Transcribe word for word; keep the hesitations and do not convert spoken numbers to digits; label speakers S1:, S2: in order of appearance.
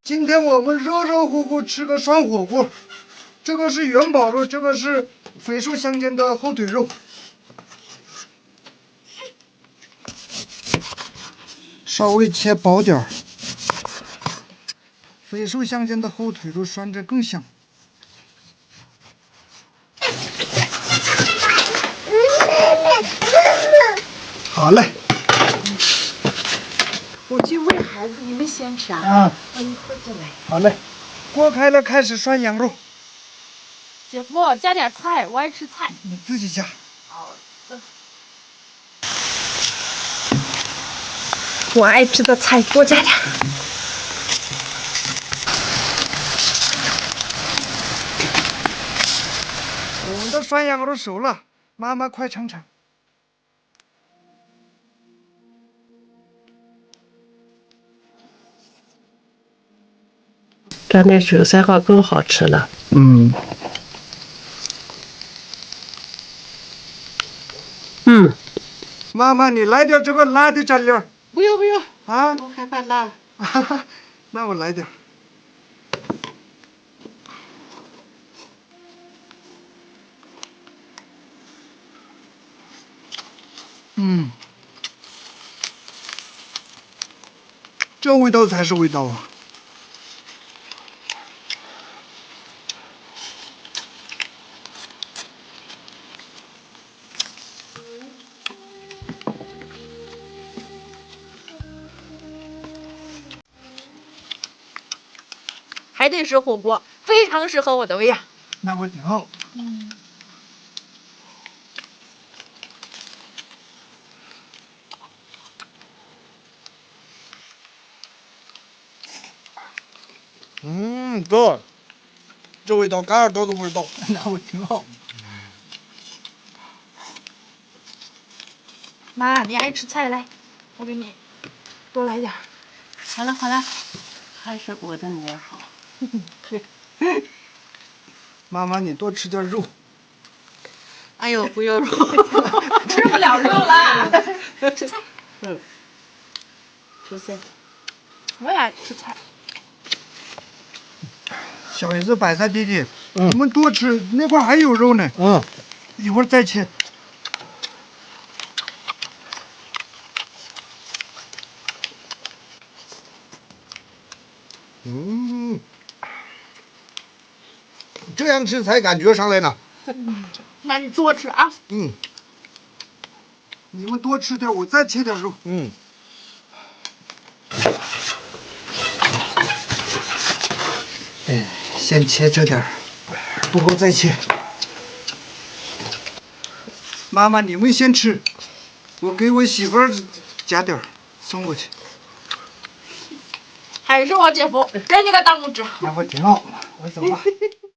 S1: 今天我们热热乎乎吃个涮火锅，这个是元宝肉，这个是飞树乡间的后腿肉。稍微切薄点儿，飞树乡间的后腿肉涮着更香。好嘞。
S2: 我去喂孩子，你们先吃啊。
S1: 啊。
S2: 我一会儿就来。
S1: 好嘞。锅开了，开始涮羊肉。
S2: 姐夫，加点菜，我爱吃菜。
S1: 你自己加。
S2: 好的。我爱吃的菜多加点。
S1: 我们的涮羊肉熟了，妈妈快尝尝。
S3: 蘸点韭菜花更好吃了。
S1: 嗯。
S3: 嗯。
S1: 妈妈，你来点这个辣的蘸料。
S3: 不用不用
S1: 啊，
S3: 我害怕辣。
S1: 那我来点。嗯，这味道才是味道啊！
S2: 还得是火锅，非常适合我的胃呀。
S1: 那我挺好。
S2: 嗯。
S1: 嗯，哥，这味道，嘎尔多的味道，那我挺好。
S2: 妈，你爱吃菜来，我给你多来点。
S3: 好了好了，还是我的女儿好。
S1: 妈妈，你多吃点肉。
S3: 哎呦，不用肉，
S2: 吃不了肉了。吃菜。
S3: 嗯。出现。
S2: 我也爱吃菜。
S1: 小姨子、白菜弟弟，嗯、你们多吃，那块还有肉呢。嗯，一会儿再切。嗯，这样吃才感觉上来呢。
S2: 嗯，那你多吃啊。
S1: 嗯，你们多吃点，我再切点肉。嗯。哎，先切这点儿，不够再切。妈妈，你们先吃，我给我媳妇儿加点儿，送过去。
S2: 还是我姐夫，给你个大拇指。
S1: 那我挺好，我走吧。